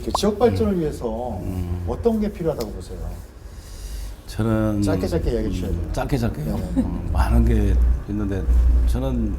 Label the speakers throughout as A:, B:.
A: 지역 발전을 위해서 어떤 게 필요하다고 보세요?
B: 저는
A: 짧게 이야기해 주셔야 돼요.
B: 짧게요. 많은 게 있는데 저는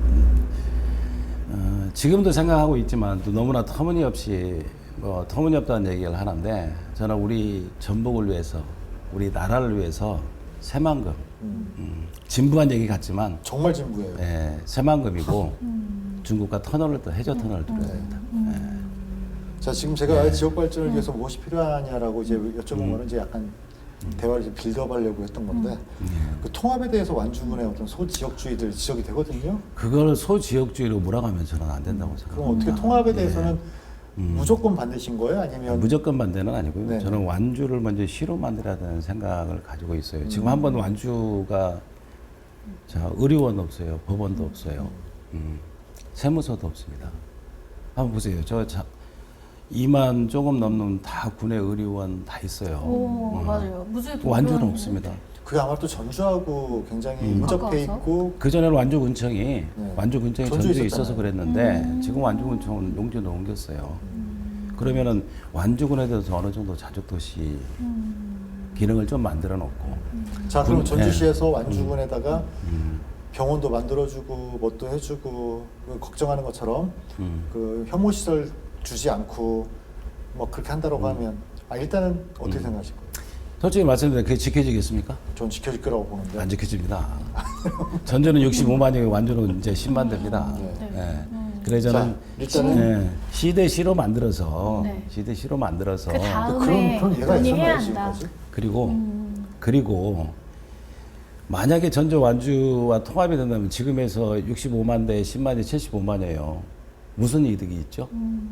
B: 지금도 생각하고 있지만 또 너무나 터무니없이 터무니없다는 얘기를 하는데 저는 우리 전북을 위해서 우리 나라를 위해서 새만금 진부한 얘기 같지만
A: 정말 진부해요.
B: 예, 새만금이고 중국과 터널을 또 해저 터널을 뚫어야 됩니다.
A: 자, 지금 제가 지역 발전을 위해서 무엇이 필요하냐라고 이제 여쭤본 거는 이제 약간 대화를 좀 빌드업하려고 했던 건데 그 통합에 대해서 완주군의 어떤 소지역주의들 지적이 되거든요.
B: 그걸 소지역주의로 몰아가면 저는 안 된다고 생각합니다.
A: 그럼 어떻게 통합에 대해서는 무조건 반대신 거예요? 아니면
B: 무조건 반대는 아니고요.
A: 네.
B: 저는 완주를 먼저 시로 만들어야 되는 생각을 가지고 있어요. 지금 한번 완주가 의료원 없어요. 법원도 없어요. 세무서도 없습니다. 한번 보세요. 2만 조금 넘는 다 군의 의료원 다 있어요.
C: 오, 맞아요. 무주도
B: 완주는
C: 그런-
B: 없습니다.
A: 그게 아마 또 전주하고 굉장히 인접해
C: 가까워서?
A: 있고
B: 그전에는 완주군청이
A: 전주에
B: 전주에
A: 있었잖아요.
B: 있어서 그랬는데 지금 완주군청은 용주로 옮겼어요. 그러면은 완주군에 대해서 어느 정도 자족도시 기능을 좀 만들어 놓고
A: 자, 그럼
B: 네.
A: 전주시에서 완주군에다가 병원도 만들어주고 뭣도 해주고 걱정하는 것처럼 그 혐오 시설 주지 않고 뭐 그렇게 한다고 하면 일단은 어떻게 생각하실 거예요?
B: 솔직히 말씀드리면 그게 지켜지겠습니까?
A: 전 지켜질 거라고 보는데.
B: 안 지켜집니다. 전주는 65만이고 완주는 이제 10만 됩니다.
A: 네.
B: 예. 그래서 저는
A: 자, 일단은
B: 시대시로 만들어서
C: 네.
B: 시대시로 만들어서
C: 그 다음에
A: 그런 예가
C: 논의해야
A: 있었나요
C: 한다.
A: 지금까지?
B: 그리고 만약에 전주 완주와 통합이 된다면 지금에서 65만 대 10만이 75만이에요. 무슨 이득이 있죠?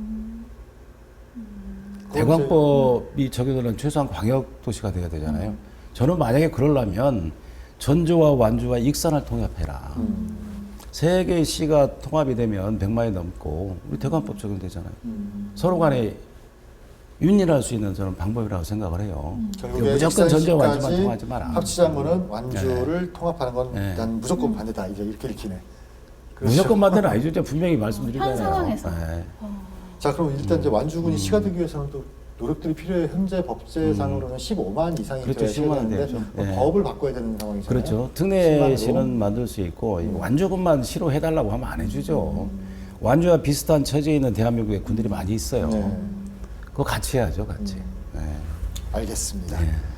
B: 대광법이 적용되는 최소한 광역 도시가 돼야 되잖아요. 저는 만약에 그러려면 전주와 완주와 익산을 통합해라. 세 개의 시가 통합이 되면 100만이 넘고 우리 대광법 적용되잖아요. 서로 간에 윤리할 수 있는 저는 방법이라고 생각을 해요.
A: 결국에
B: 무조건 전주와 완주만
A: 익산시까지
B: 통하지 마라.
A: 합치자는 거는 완주를 통합하는 건
B: 네.
A: 난 무조건 반대다 이제 이렇게 읽히네. 그렇죠?
B: 무조건 반대는 아니죠. 제가 분명히 말씀드리잖아요.
C: 현 상황에서.
B: 네.
A: 자, 그럼 일단 이제 완주군이 시가 되기 위해서는 또 노력들이 필요해. 현재 법제상으로는 15만 이상이
B: 그렇죠.
A: 들어야
B: 15만
A: 되는데
B: 돼야죠.
A: 뭐
B: 네.
A: 법을 바꿔야 되는 상황이잖아요.
B: 그렇죠.
A: 10만으로.
B: 특례시는 만들 수 있고 완주군만 시로 해달라고 하면 안 해주죠. 완주와 비슷한 처지에 있는 대한민국에 군들이 많이 있어요.
A: 네.
B: 그거 같이 해야죠, 같이. 네.
A: 알겠습니다.
B: 네.